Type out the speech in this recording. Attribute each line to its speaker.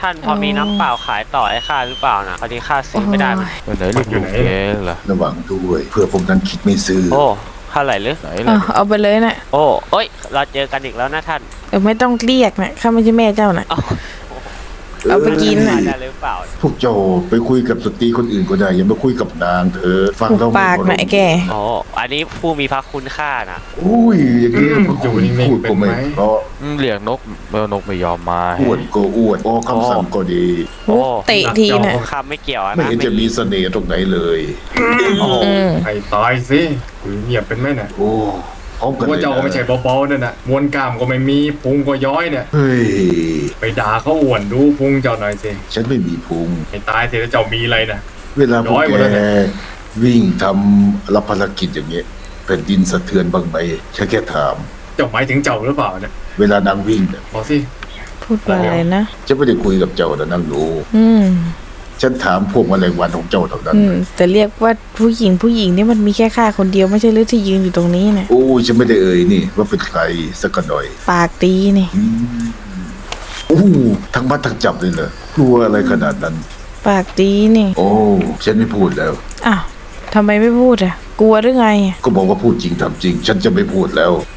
Speaker 1: ท่านพอมีน้ำเปล่าขายต่อให้ข้าหรือเปล่านะพอดีข้าซื้อไม่ได้มัน
Speaker 2: ไหนเรียกอยู่แกเหรอ
Speaker 3: ระวังด้วยเพื่อพวกนั้นคิดไม่ซื้อ
Speaker 1: โอ้เท่าไหร่หรือ
Speaker 2: ไหนล่ะ
Speaker 4: เอาไปเลยนะ
Speaker 1: โอ้เอ้ยเราเจอกันอีกแล้วนะท่าน
Speaker 4: ไม่ต้องเรียกนะข้าไม่ใช่แม่เจ้านะ เอาไปกิน
Speaker 1: ได้
Speaker 4: น่ะ
Speaker 1: หรือเปล่า
Speaker 3: พวกเจ้าไปคุยกับสตรีคนอื่นก็ได้อย่ามาคุยกับนางเธอฟัง
Speaker 4: หุบ
Speaker 3: เรา
Speaker 4: ปากนะไอ้แก
Speaker 1: โอ้อันนี้ผู้มีพระคุณค่านะ
Speaker 3: อุ้ยอย่างนี้พวก
Speaker 5: อยู่
Speaker 3: คุณ
Speaker 5: นิ่งๆ
Speaker 3: พูดก็ไม่
Speaker 5: เป็นไหม
Speaker 3: เพราะ
Speaker 2: เรียกนกนกไม่ยอมมา
Speaker 3: อ้วนก็อ้วนออกคำสั่งก็ดี
Speaker 1: โอ้
Speaker 4: เตะทีน่ะ
Speaker 1: ข้าไม่เกี่ยวอะ
Speaker 3: ไม่
Speaker 1: นะ
Speaker 3: เห็นจะมีเสน่ห์ตรงไหนเลย
Speaker 4: อืม
Speaker 5: ไอ้ตายสิถือเงียบเป็นไหมเนี่ย
Speaker 3: โอ้พร้อมกัน
Speaker 5: ว่า
Speaker 3: เลย
Speaker 5: เจ้าก็ไม่ใช่เบาๆนั่นน่ะมวนกล้ามก็ไม่มีพุงก็ย้อยเนี่ย
Speaker 3: เฮ้ย
Speaker 5: ไปด่าเขาอ้วนดูพุงเจ้าหน่อยสิ
Speaker 3: ฉันไม่มีพุง
Speaker 5: ไอ้ตายสิแล้วเจ้ามีอะไรน่ะ
Speaker 3: เวลาพวก
Speaker 5: ร้อยหม
Speaker 3: แก
Speaker 5: ดแล้วเนี่ย
Speaker 3: วิ่งทำรับภารกิจอย่างเงี้ยแผ่นดินสะเทือนบ้างไหมฉันแค่ถาม
Speaker 5: เจ้าหมายถึงเจ้าหรือเปล่าเนี่ย
Speaker 3: เวลานางวิ่งเนี่ย
Speaker 5: บอกสิ
Speaker 4: พูดว่าอะไรนะ
Speaker 3: ฉันไม่ได้คุยกับเจ้าแต่นางรู้
Speaker 4: อืม
Speaker 3: ฉันถามพวกแมลงวันของเจ้าเท่านั้น
Speaker 4: แต่เรียกว่าผู้หญิงนี่มันมีแค่ข้าคนเดียวไม่ใช่หรือที่ยืนอยู่ตรงนี้นะ
Speaker 3: โอ้ยฉันไม่ได้เอ่ยนี่ว่าเป็นใครสักหน่อย
Speaker 4: ปากดีนี่
Speaker 3: โอ้ทั้งมัดทั้งจับเลยเหรอกลัวอะไรขนาดนั้น
Speaker 4: ปากดีนี่
Speaker 3: โอ้ฉันไม่พูดแล้ว
Speaker 4: อ้าวทำไมไม่พูดอ่ะ กลัวหรือไงอะ
Speaker 3: ก็บอกว่าพูดจริงทำจริง ฉันจะไม่พูดแล้ว